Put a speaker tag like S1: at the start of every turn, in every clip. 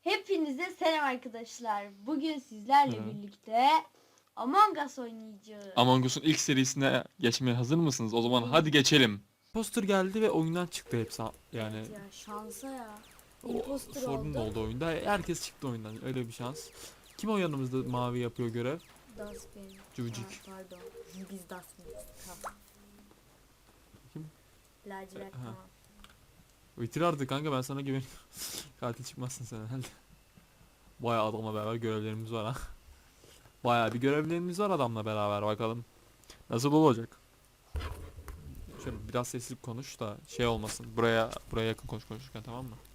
S1: Hepinize selam arkadaşlar. Bugün sizlerle
S2: Evet.
S1: birlikte Among Us oynayacağız.
S2: Among Us'un ilk serisine geçmeye hazır mısınız? O zaman hadi geçelim. Poster geldi ve oyundan çıktı hepsi. Yani
S1: Evet ya, şansa ya.
S2: o
S1: Imposter
S2: sorun
S1: oldu.
S2: oldu oyunda. Herkes çıktı oyundan. Öyle bir şans. Kim o yanımızda mavi yapıyor görev?
S1: Dustbin.
S2: Cüvücük.
S1: Pardon. Biz Dustbin'iz. Tamam.
S2: Kim?
S1: Lacivert
S2: Ha.
S1: tamam.
S2: Bitir artık kanka, ben sana güveniyorum. Katil çıkmazsın sen herhalde. Bayağı adamla beraber görevlerimiz var ha. Bayağı bir görevlerimiz var adamla beraber, bakalım. Nasıl olacak? Şöyle biraz sesli konuş da şey olmasın. Buraya yakın konuşurken, tamam mı?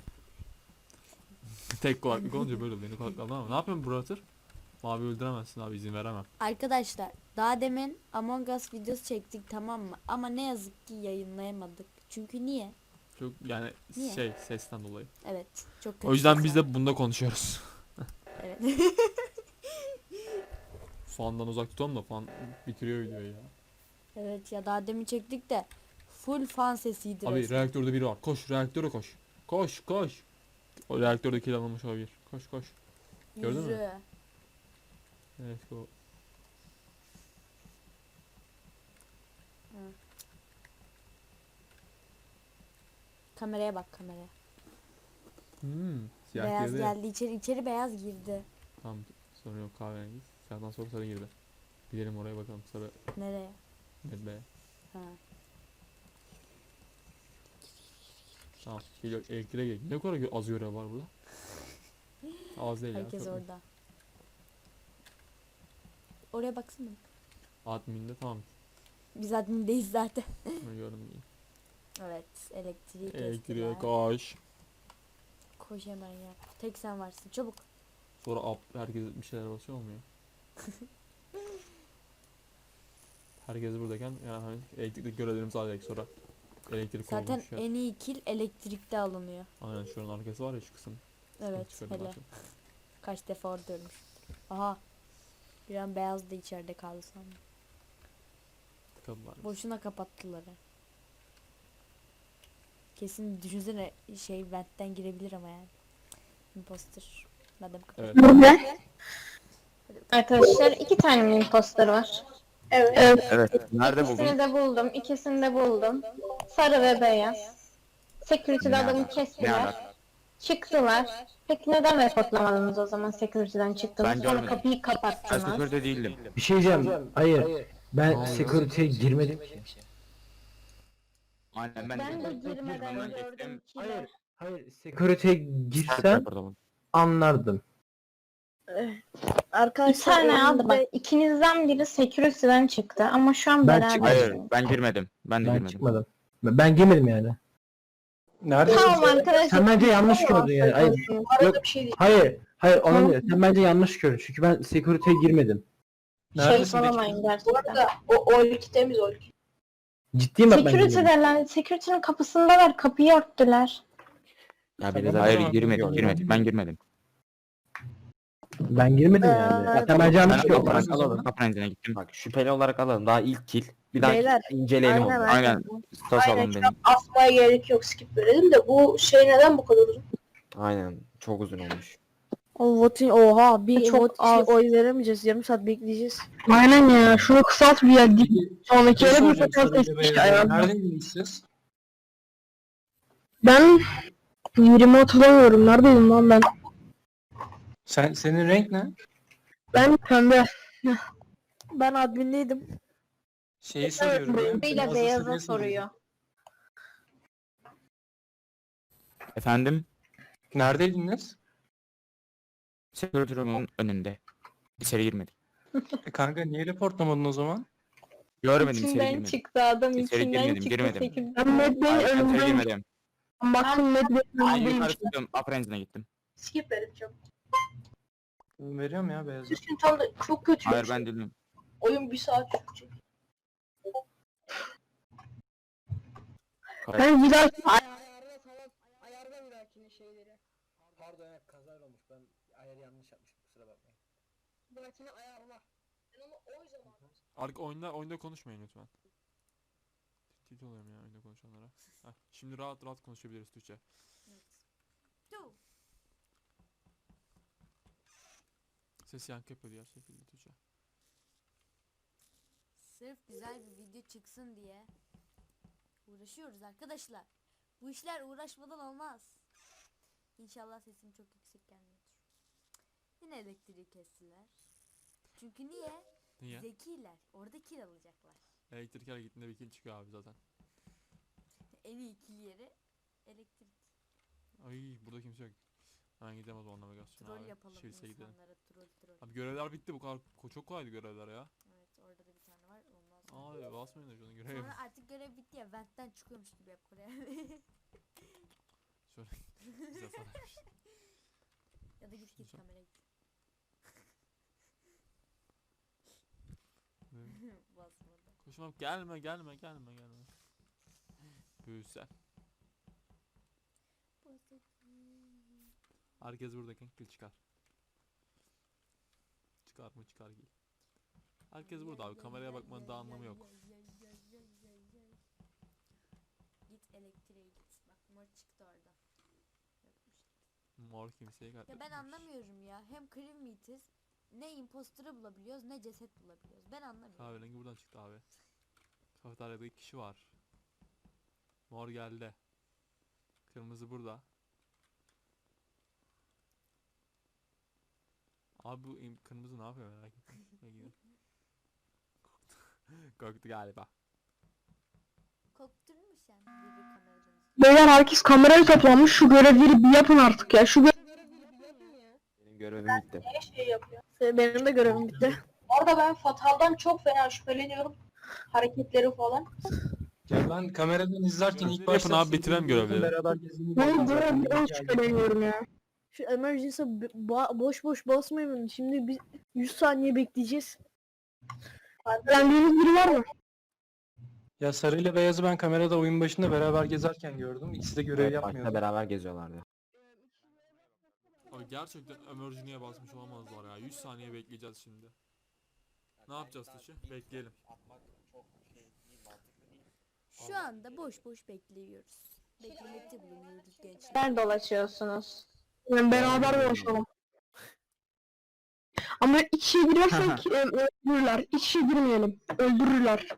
S2: Tek kulaklık olunca böyle beni kulaklıkla ama. Ne yapıyorsun Brother? Mavi öldüremezsin abi, izin veremem.
S1: Arkadaşlar daha demin Among Us videosu çektik, tamam mı? Ama ne yazık ki yayınlayamadık. Çünkü niye?
S2: Çok yani
S1: Niye?
S2: sesten dolayı.
S1: Evet. Çok kötü
S2: O yüzden
S1: ses
S2: biz
S1: var.
S2: de bunda konuşuyoruz.
S1: Evet.
S2: Fandan uzak tutalım da fan bitiriyor videoyu ya.
S1: Evet ya, daha demin çektik de full fan sesiydi
S2: Abi
S1: resmen.
S2: reaktörde biri var. Koş reaktöre koş. Koş koş. O reaktörde kill alınmış olabilir. Koş koş. Gördün mü?
S1: Yürü.
S2: Evet o.
S1: Kameraya bak, kameraya.
S2: Siyah
S1: Beyaz
S2: girdi.
S1: geldi içeri beyaz girdi.
S2: Tamam, sorun yok, kahverengi. Siyahdan sonra sarı girdi. Gidelim oraya bakalım, sarı
S1: Nereye?
S2: medbeye.
S1: Ha.
S2: Tamam geliyor, elektriğe gel. Ne kadar az görev var burada? Az değil
S1: Herkes
S2: ya.
S1: orada. Oraya baksana.
S2: Admin'de tamam.
S1: Biz admindeyiz zaten.
S2: Bunu gördüm.
S1: Evet, elektriği
S2: Elektriğe
S1: kestiler.
S2: koş.
S1: Koş hemen ya. Tek sen varsın, çabuk.
S2: Sonra herkes bir şeyler basıyor olmuyor. Herkes buradayken yani hani elektrikli görevlerimizi alacak sonra. Elektrik
S1: Zaten
S2: olmuş ya.
S1: en iyi kill elektrikte alınıyor.
S2: Aynen, şuranın arkası var ya, şu kısım.
S1: Evet,
S2: Çıkardım
S1: hele.
S2: artık.
S1: Kaç defa orada ölmüş. Aha. Bir an beyaz da içeride kaldı sandım.
S2: Tıkadılar.
S1: Boşuna kapattılar ha. Kesin düşünsene, ventten girebilir ama yani. Imposter. Madem kapat.
S2: Evet.
S3: Burada arkadaşlar 2 tane mi imposter var? Evet.
S4: Evet. Nerede buldun?
S3: İkisini de buldum. İkisini de buldum. Sarı ve beyaz. Security'de
S4: Ne
S3: adamı
S4: alaka? Ne
S3: kestiler.
S4: alaka?
S3: Çıktılar. Peki neden reportlamadınız o zaman security'den çıktınız?
S4: Ben
S3: Sonra
S4: görmedim.
S3: kapıyı
S4: Ben
S3: kapattınız.
S4: sektörde değildim.
S5: Bir şey diyeceğim. Hayır.
S2: Ne
S5: Ben
S2: oluyor?
S5: security'ye girmedim ki.
S4: Aynen
S3: Ben de
S4: security'ye
S3: girmeden
S4: girmeden
S3: gördüm
S4: gittim.
S3: ki.
S5: Hayır. Security'ye girsem
S4: Pardon.
S5: anlardım.
S3: Bir
S6: Arkadaşlar
S3: tane aldı bak.
S6: önümüzde
S3: İkinizden biri security'den çıktı ama şu an
S5: Ben
S3: beraber.
S4: Hayır, ben girmedim. Ben de
S5: Ben
S4: girmedim.
S5: çıkmadım. Ben girmedim yani.
S3: Tamam arkadaşlar.
S5: Sen bence yanlış gördün yani. Hayır. Yok.
S6: bir şey
S5: Hayır. Hayır
S3: Tamam.
S5: onu diyor. Sen bence yanlış gördün. Çünkü ben security'ye girmedim.
S3: Saçmalamayın
S6: Bu
S3: gerçekten.
S6: arada o ilk temiz o ilk.
S5: Ciddiyim bak ben girmedim.
S3: Security'deler. Security'nin kapısındalar. Kapıyı örttüler.
S4: Ya
S5: Tamam.
S4: hayır, girmedim. Ben girmedim.
S5: Ben girmedim yani. Sen bence yanlış
S4: Ben
S5: gördün.
S4: olarak alalım. Kapının önüne gittim.
S7: Bak şüpheli olarak alalım. Daha ilk kill. Bir daha
S6: Beyler,
S7: inceleyelim onu.
S4: Aynen. Stas
S6: Aynen,
S4: alın
S6: şu
S4: benim.
S6: an asmaya gerek yok, skip verelim de bu şey neden bu kadar uzun?
S7: Aynen. Çok uzun olmuş.
S6: O voting oha bir
S3: Çok
S6: vot
S3: az.
S6: oy veremeyeceğiz, yarım saat bekleyeceğiz.
S3: Aynen ya. Şunu kısalt bir ya. Sonraki yere bir fotoğraf seçmiş ayağım.
S8: Neredeydiniz siz?
S3: Ben yerimi hatırlamıyorum. Neredeydim lan ben?
S8: Senin renk ne?
S3: Ben pembe.
S6: Ben admindeydim.
S8: Şeyi soruyorum. ya.
S3: Pembeyle
S8: Fazla
S3: beyaza
S8: soruyor
S3: soruyor.
S4: Efendim?
S8: Neredeydiniz?
S4: Security room'un önünde. İçeri girmedim.
S8: Kanka niye reportlamadın o zaman?
S4: Görmedim, içeri
S3: İçinden
S4: girmedim.
S3: çıktı adam.
S4: İçeri
S3: İçinden
S4: girmedim,
S3: çıktı.
S4: girmedim.
S3: Sekiz. Ben Med Bey'in
S4: Hayır, ben içeri
S3: önündeyim.
S4: girmedim.
S3: Baktım Med Bey'in
S4: Ben
S3: önündeyim.
S4: yukarı çıktım. Upper engine'e gittim.
S6: Skip verelim çok.
S8: Veriyorum ya beyazı.
S6: Sizin tam da çok kötü.
S4: Hayır, ben değilim.
S6: Oyun bir saat sürecek.
S3: Ben bir daha
S6: Ayarda bir dahakine şeyleri.
S5: Pardon evet, kazayla olmuş. Ben ayarı yanlış yapmışım. Kusura bakmayın.
S6: Bir dahakine ayarla. Ben onu o zaman.
S2: Oyunda konuşmayın lütfen. Tilt oluyorum ya oyunda konuşanlara. Heh, şimdi rahat konuşabiliriz Türkçe. Ses yankı yapıyor ya şekilde Tuğçe.
S1: Sırf güzel bir video çıksın diye uğraşıyoruz arkadaşlar. Bu işler uğraşmadan olmaz. İnşallah sesim çok yüksek gelmiyordur. Yine elektriği kestiler. Çünkü niye?
S2: Niye?
S1: Zekiler. Orada kil alacaklar.
S2: Elektrik hareketinde bir kill çıkıyor abi zaten.
S1: En iyi kil yeri elektrik.
S2: Ay burada kimse yok. Ben gidemez o navigasyon
S1: Troll
S2: abi.
S1: yapalım
S2: Şiris'e gidelim.
S1: insanlara, troll.
S2: Abi görevler bitti bu kadar çok kolaydı görevler ya.
S1: Evet, orada da bir tane var. Ondan sonra.
S2: Abi basmayın da şunu görev.
S1: Sonra artık görev bitti ya. Vent'ten çıkıyormuş gibi yap oraya.
S2: Şöyle bize sararmış.
S1: Ya da git
S2: Şunu-
S1: kameraya git.
S2: Ne?
S1: Basmadı.
S2: Koşmam gelme. Büyüsen. Herkes buradayken kill çıkar. Çıkar mı çıkar kill. Herkes burada abi kameraya bakmanın da anlamı yok.
S1: Git elektriğe git. Bak mor çıktı orada. Yokmuş.
S2: Mor kimseye
S1: Ya ben
S2: katletmemiş.
S1: anlamıyorum ya. Hem Cream Meat'iz. Ne imposter'ı bulabiliyoruz ne ceset bulabiliyoruz. Ben anlamıyorum.
S2: Kahverengi buradan çıktı abi. Kafeteryada 2 kişi var. Mor geldi. Kırmızı burada. Abi bu kırmızı ne yapıyor merak ettim. Korktu. Korktu galiba.
S1: Korkturmuş yani biri kameradan izliyor.
S3: Beyler herkes kameraya toplanmış. Şu görevleri bir yapın artık ya.
S7: Benim görevim bitti.
S6: Ne şey yapıyor?
S3: Benim de görevim bitti.
S6: Orada ben Fatal'dan çok fena şüpheleniyorum. Hareketleri falan.
S8: Ya ben kameradan izlerken ilk
S2: Görevleri
S8: başta
S2: yapın abi, bitirelim görevleri.
S8: beraber gezdiğini
S3: Ben
S8: gördüm zaten.
S3: görevden şüpheleniyorum ya. Şu emergency'e boş boş basmayın. Şimdi biz 100 saniye bekleyeceğiz. Beğendiğiniz biri var mı?
S8: Ya sarıyla beyazı ben kamerada oyun başında beraber gezerken gördüm. İkisi de görev
S7: Evet,
S8: yapmıyordu.
S7: başta beraber geziyorlardı.
S2: Abi gerçekten emergency'ye basmış olamazlar ya. 100 saniye bekleyeceğiz şimdi. Ne yapacağız Tuğçe? Bekleyelim.
S1: Şu anda boş boş bekliyoruz. Beklemekte bulunuyoruz gençler.
S3: Ben dolaşıyorsunuz. Yani beraber dolaşalım. Ama iç içe girersek öldürürler. İç içe girmeyelim. Öldürürler.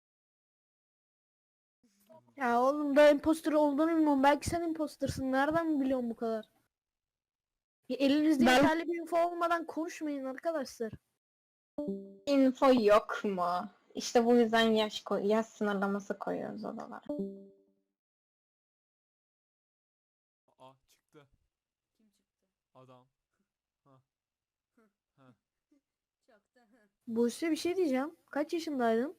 S3: Ya oğlum da imposter olduğunu bilmiyorum. Belki sen impostersın. Nereden biliyorsun bu kadar? Ya elinizde yeterli bir info olmadan konuşmayın arkadaşlar.
S9: Info yok mu? İşte bu yüzden yaş sınırlaması koyuyoruz odalara.
S2: Aa çıktı.
S1: Kim çıktı?
S2: Adam.
S1: Çoktan.
S3: Buse bir şey diyeceğim. Kaç yaşındaydın?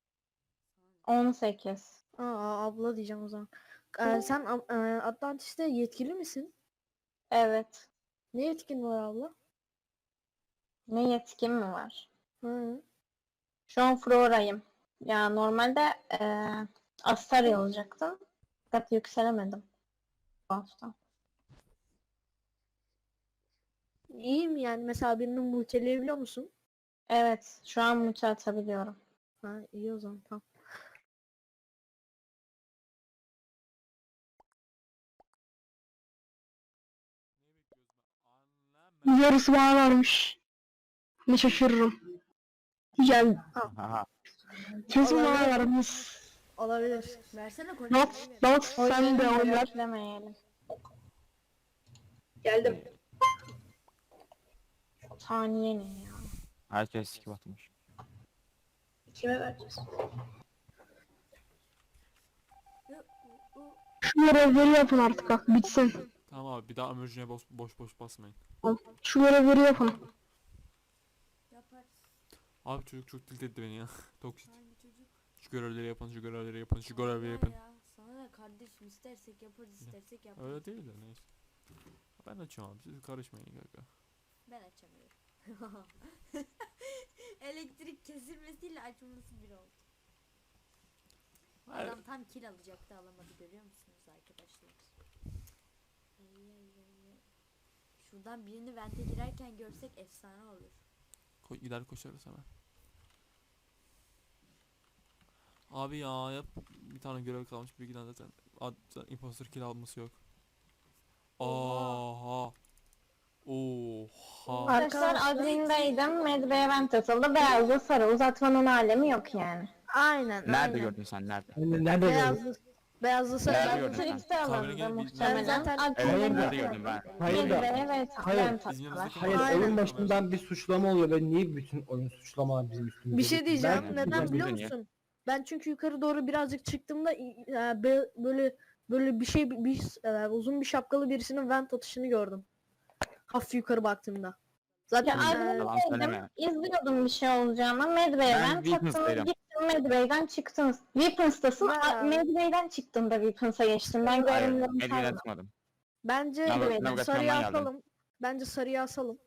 S9: 18.
S3: Abla diyeceğim o zaman. Sen Atlantis'te yetkili misin?
S9: Evet.
S3: Ne yetkin var abla?
S9: Ne yetkim mi var?
S3: Hı.
S9: Şu an Flora'yım. Ya normalde Astarya olacaktım. Fakat yükselemedim bu hafta.
S3: İyiyim yani. Mesela birini multileyebiliyor musun?
S9: Evet. Şu an multi atabiliyorum.
S3: Ha iyi o zaman tamam.
S2: Ne bekliyoruz ben?
S3: Yarısı bana varmış. Ne şaşırırım. Gel.
S4: Aha.
S3: Kesin bana varmış.
S1: Olabilir. Versene konuyu.
S3: Not sen de oynar.
S9: Beklemeyelim.
S6: Geldim.
S9: Saniye ne ya?
S4: Herkes skip atmış.
S6: Kime vereceğiz?
S3: Şu görevleri yapın artık bak bitsin.
S2: Tamam abi bir daha emergency'ye boş boş basmayın.
S3: Şu görevleri yapın.
S1: Yapar.
S2: Abi çocuk çok tilt etti beni ya. Toksit.
S1: Hangi çocuk?
S2: Şu görevleri yapın, şu görevleri yapın, şu görevleri yapın.
S1: Ya. Sana ne kardeşim, istersek yaparız, istersek yaparız.
S2: Öyle değil de neyse. Ben açıyorum abi siz karışmayın kanka.
S1: Ben açamıyorum. Elektrik kesilmesiyle açılması bir oldu.
S2: Hayır.
S1: Adam tam kill alacaktı, alamadı, görüyor musunuz arkadaşlar? Ay, ay, ay, ay. Şuradan birini vente girerken görsek efsane olur.
S2: Gider koşarız hemen. Abi ya yap bir tane görev kalmış bir iki tane zaten imposter kill alması yok.
S1: Oha.
S2: Aha. Oha.
S9: Arkadaşlar admindeydim. Medbay event atıldı. Beyazlı sarı uzatmanın alemi yok yani.
S3: Aynen.
S4: Nerede
S3: aynen.
S4: gördün sen nerede?
S7: Nerede gördün?
S3: Beyazlı sarı.
S4: Nerede
S3: Ben-
S4: gördün sen?
S9: Trix'te alındı
S2: Kahverengi bir-
S9: muhtemelen.
S3: zaten-
S9: Admin'de
S4: Evet
S7: Hayır da-
S4: nerede gördün ben?
S7: Hayır da.
S9: Medbay evet
S7: Hayır.
S9: event
S2: Bizim
S9: attılar.
S2: yanımızdaki
S7: Hayır
S3: Aynen.
S7: oyun başından bir suçlama oluyor ve niye bütün oyun suçlamalar bizim üstümüze?
S3: Bir şey diyeceğim.
S4: Ben-
S3: Neden
S4: ben-
S3: biliyor
S4: ben-
S3: musun? Ben çünkü yukarı doğru birazcık çıktığımda böyle bir şey uzun bir şapkalı birisinin vent atışını gördüm. Hafif yukarı baktığımda. Zaten
S9: Ya
S4: Yalan
S9: admindeydim.
S4: söyleme.
S9: İzliyordum bir şey olacağını. Medbay
S4: Ben
S9: event
S4: Weapons'taydım.
S9: attınız. Gittim Medbay'den çıktınız. Weapons'tasın.
S3: Ha.
S9: Medbay'den çıktığında Weapons'a geçtim. Ben
S4: Hayır.
S9: görünümlerimi
S4: Medve'den
S9: saymadım.
S4: çıkmadım.
S3: bence
S4: Navigasyondan
S3: sarıya
S4: geldim.
S3: asalım. Bence sarıya asalım.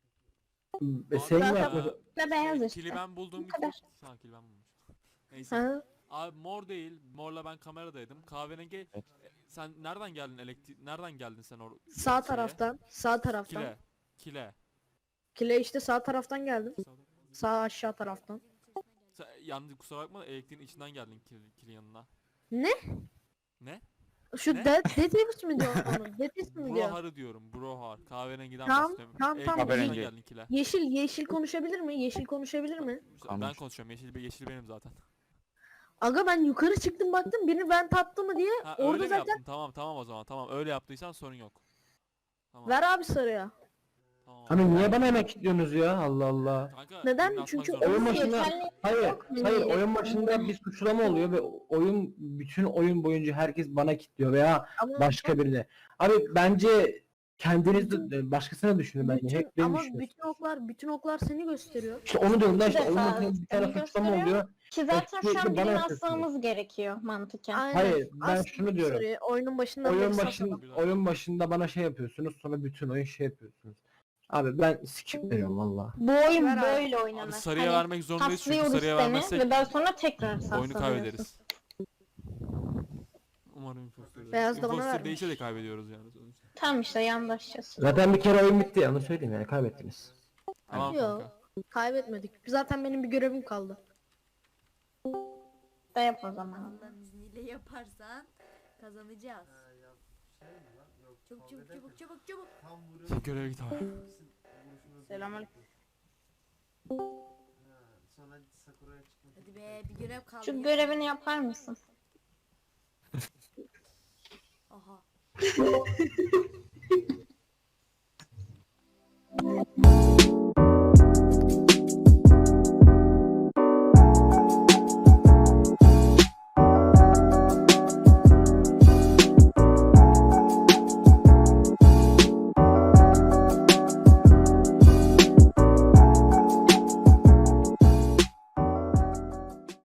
S7: Sen
S3: Zaten-
S7: mi yapmadın?
S9: Ve beyaz işte.
S2: Kili ben buldum.
S9: Bu kadar.
S2: Ha, kili ben bulmuşum. Neyse.
S3: Ha?
S2: Abi mor değil. Morla ben kameradaydım. Kahverengi.
S4: Evet.
S2: Sen nereden geldin nereden geldin sen
S3: Sağ taraftan. Sağ taraftan.
S2: Kile. Kile.
S3: Kile işte sağ taraftan geldim. Sağ aşağı taraftan.
S2: Sen, yalnız kusura bakma elektriğin içinden geldin kili yanına.
S3: Ne?
S2: Ne?
S3: Şu
S2: Ne?
S3: Deadlift mi diyor onu? Deadlift mi diyor?
S2: Brohar'ı diyorum. Brohar. Kahverengiden
S3: Tamam,
S2: bahsediyorum.
S3: tamam,
S2: Elektriğin
S3: tamam.
S2: içinden
S4: Kahverengi.
S2: geldin kile.
S3: Yeşil konuşabilir mi? Yeşil konuşabilir mi?
S2: Ben
S4: Konuş.
S2: konuşuyorum. Yeşil benim zaten.
S3: Aga ben yukarı çıktım baktım birini vent attı mı diye
S2: Ha,
S3: orada
S2: öyle mi
S3: zaten
S2: yaptın? Tamam o zaman. Tamam öyle yaptıysan sorun yok. Tamam.
S3: ver abi sarıya.
S2: Tamam.
S7: Abi niye bana emek kilitliyorsunuz ya? Allah Allah.
S2: Kanka,
S3: Neden?
S2: birini atmak
S3: Çünkü
S2: zorunda.
S7: Oyun
S9: Yeterli
S7: başında hayır
S9: yok mu?
S7: hayır oyun başında bir suçlama oluyor ve oyun bütün oyun boyunca herkes bana kilitliyor veya
S3: Ama
S7: başka birine. Abi bence kendiniz de başkasına düşünün bence.
S3: bütün,
S7: Hep beni
S3: ama
S7: düşünüyorsunuz.
S3: bütün oklar seni gösteriyor.
S7: İşte onu diyorum da
S9: Bir
S7: işte oyun
S9: defa
S7: başında bir tane
S9: seni
S7: suçlama
S9: gösteriyor.
S7: oluyor.
S9: Ki zaten şu an
S7: Sürekli bana
S9: birini
S7: yapıyorsunuz.
S9: asmamız gerekiyor mantıken.
S3: Aynen.
S7: Hayır, ben
S3: Aslında
S7: şunu diyorum.
S3: sarıyı oyunun başında
S7: Oyun
S3: beni
S7: başın
S3: satalım.
S7: oyun başında bana şey yapıyorsunuz sonra bütün oyun şey yapıyorsunuz. Abi ben skip veriyorum valla.
S9: Bu oyun
S3: Ver abi.
S9: böyle oynanır.
S2: Abi sarıya
S9: Hani
S2: vermek zorundayız çünkü
S9: taslıyoruz
S2: sarıya
S9: seni
S2: vermezsek
S9: ve daha sonra tekrar
S2: oyunu
S9: saslanıyorsun.
S2: kaybederiz. Umarım imposter.
S3: Beyaz da bana
S2: Imposter
S3: vermiş.
S2: değilse de kaybediyoruz yani sonuçta.
S9: Tam işte yandaşacağız.
S7: Zaten bir kere oyun bitti ya onu söyleyeyim yani kaybettiniz.
S2: Tamam
S3: Yo.
S2: kanka.
S3: Kaybetmedik. Zaten benim bir görevim kaldı.
S9: Da yap o zaman.
S1: Allah'ın izniyle yaparsan kazanacağız. Çabuk.
S2: Göreve git abi.
S3: Selamünaleyküm.
S1: Hadi be bir görev kaldı.
S9: Şu
S1: ya.
S9: görevini yapar mısın?
S1: Aha.